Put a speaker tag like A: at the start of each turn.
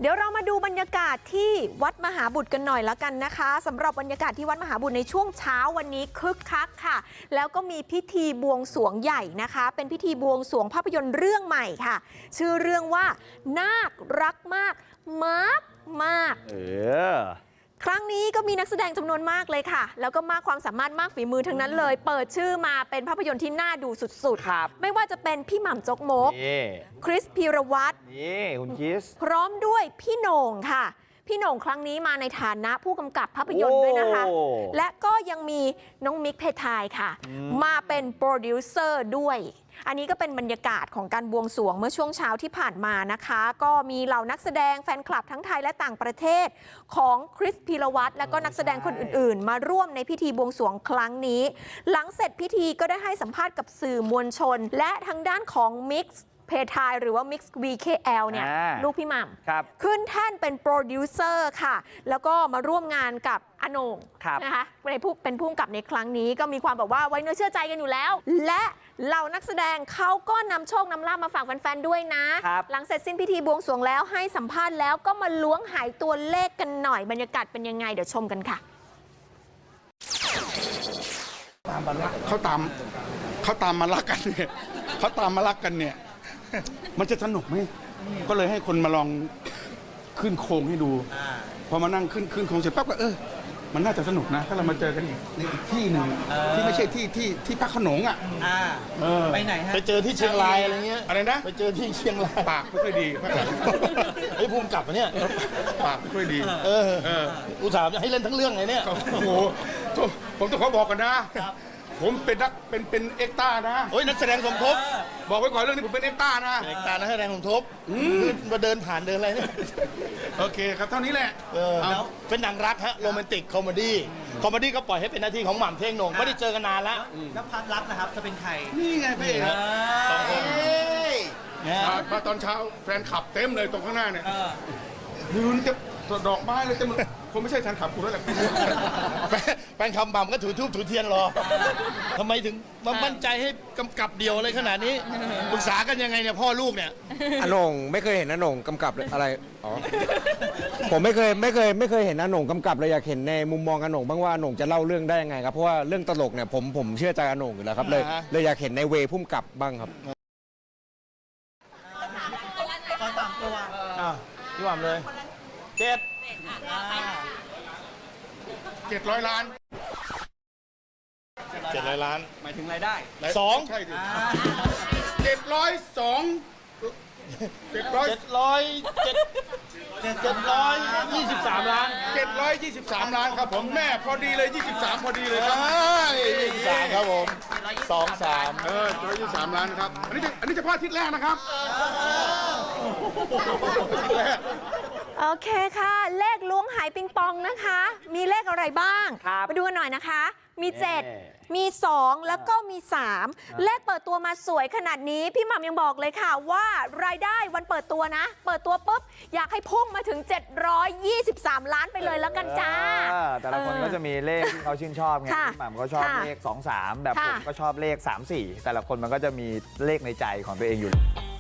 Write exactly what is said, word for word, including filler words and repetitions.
A: เดี๋ยวเรามาดูบรรยากาศที่วัดมหาบุตรกันหน่อยละกันนะคะสำหรับบรรยากาศที่วัดมหาบุตรในช่วงเช้าวันนี้คึกคักค่ะแล้วก็มีพิธีบวงสรวงใหญ่นะคะเป็นพิธีบวงสรวงภาพยนตร์เรื่องใหม่ค่ะชื่อเรื่องว่านาครักมากมากมากเออครั้งนี้ก็มีนักแสดงจำนวนมากเลยค่ะแล้วก็มากความสามารถมากฝีมือทั้งนั้นเลยเปิดชื่อมาเป็นภาพยนตร์ที่น่าดูสุดๆไม่ว่าจะเป็นพี่หม่ำจกมกคริสพีรวัตร
B: นี่คุณคริส
A: พร้อมด้วยพี่โหน่งค่ะพี่โหน่งครั้งนี้มาในฐานะผู้กำกับภาพยนตร์ด้วยนะคะและก็ยังมีน้องมิกเพทายค่ะมาเป็นโปรดิวเซอร์ด้วยอันนี้ก็เป็นบรรยากาศของการบวงสรวงเมื่อช่วงเช้าที่ผ่านมานะคะก็มีเหล่านักแสดงแฟนคลับทั้งไทยและต่างประเทศของคริสพีรวัตรและก็นักแสดงคนอื่นๆมาร่วมในพิธีบวงสรวงครั้งนี้หลังเสร็จพิธีก็ได้ให้สัมภาษณ์กับสื่อมวลชนและทางด้านของมิกซ์เพทายหรือว่า Mix วี เค แอล เนี่ยลูกพี่หม่ำขึ้นแท่นเป็นโปรดิวเซอร์ค่ะแล้วก็มาร่วมงานกับอโหน่งนะคะเป็นผู้เป็นผู้กำกับในครั้งนี้ก็มีความแบบว่าไว้เนื้อเชื่อใจกันอยู่แล้วและเหล่านักแสดงเขาก็นำโชคนำลาภมาฝากแฟนๆด้วยนะหลังเสร็จสิ้นพิธีบวงสรวงแล้วให้สัมภาษณ์แล้วก็มาล้วงหายตัวเลขกันหน่อยบรรยากาศเป็นยังไงเดี๋ยวชมกันค่ะ
C: เขาตามเขาตามมารักกันเนี่ยเขาตามมารักกันเนี่ยมันจะสนุกไหมก็เลยให้คนมาลองขึ้นโครงให้ดูพอมานั่งขึ้นขึ้นโครงเสร็จปั๊บก็เออมันน่าจะสนุกนะถ้าเรามาเจอกันอีกในอีกที่หนึ่งที่ไม่ใช่ที่ที่ที่พักขนงอ่ะ
D: ไปไหนฮะ
B: ไปเจอที่เชียงรายอะไรเงี้ย
C: อะไรนะ
B: ไปเจอที่เชียงราย
C: ปากไม่ค่อยดี
B: ไอ้ภูมิกับเนี่ย
C: ปากไม่ค่อยดี
B: เอออุตส่าห์ให้เล่นทั้งเรื่องไงเนี่ย
C: โอ้โหผมต้องขอบอกกันนะผมเป็นนักเป็นเป็นเอ็กต้านะ
B: โอ้ยนักแสดงสมทบ
C: บอกไว้ก่อนเรื่องนี้ผมเป็นเอ็กต้านะ
B: เอ็กต้านักแสดงสมทบมาเดินผ่านเดินอะไรเนี่ย
C: โอเคครับเท่านี้แหละ
B: แล้วเป็นหนังรักฮะโรแมนติกคอมเมดี้คอมเมดี้ก็ปล่อยให้เป็นหน้าที่ของหม่ำเท่งโหน่งไม่ได้เจอกันนานแล้ว
D: แล้วพาร์ทรักนะครับจะเป็นใคร
C: นี่ไงพี่สองคนมาตอนเช้าแฟนขับเต็มเลยตรงข้างหน้าเนี่ยยืนจะดอกไม้เลยจะมึงคงไม่ใช่แฟนขับกูแล้วแหละ
B: แฟนคำบ่ำก็ถือทูบถือเทียนรอทำไมถึงมามั่นใจให้กำกับเดียวอะไรขนาดนี้ปรึกษากันยังไงเนี่ยพ่อลูกเนี่ย
E: อาโหน่งไม่เคยเห็นอาโหน่งกำกับอะไรอ๋อผมไม่เคยไม่เคยไม่เคยเห็นอาโหน่งกำกับเลยอยากเห็นในมุมมองอาโหน่งบ้างว่าอาโหน่งจะเล่าเรื่องได้ยังไงครับเพราะว่าเรื่องตลกเนี่ยผมผมเชื่อใจอาโหน่งอยู่แล้วครับเลยเลยอยากเห็นในเวพุ่มกับบ้างครับ
D: ขอสามตัว
B: พี่หม่ำเลยเจ็ด
C: เจ็ดร้อยล้าน
B: เจ็ดร้อยล้าน
D: หมายถึงรายได้
B: สอง
C: ใช่ดิเจ็ดร้อยสองเจ็ดร้อย
B: เจ็ดร้อยเจ็ดเจ็ดร้อยยี่สิบสามล้าน
C: เจ็ดร้อยยี่สิบสามล้านครับผมแม่พอดีเลยยี่สิบสามพอดีเลยครับ
B: ยี่สิบสามครับผมสองสาม
C: เออร้อยยี่สิบสามล้านครับอันนี้จะอันนี้จะพลาดทิศแรกนะครับ
A: โอเคค่ะเลขล้วงหายปิงปองนะคะมีเลขอะไรบ้างมาดูกันหน่อยนะคะมีเจ็ดมีสองแล้วก็มีสามเลขเปิดตัวมาสวยขนาดนี้พี่หม่ำยังบอกเลยค่ะว่ารายได้วันเปิดตัวนะเปิดตัวปุ๊บอยากให้พุ่งมาถึงเจ็ดร้อยยี่สิบสามล้านไปเลยแล้วกันจ้า
F: แต่ละคนก็จะมีเลขที่เขาชื่นชอบไงพี่หม่ำก็ชอบเลขสอง สามแบบผมก็ชอบเลขสาม สี่แต่ละคนมันก็จะมีเลขในใจของตัวเองอยู่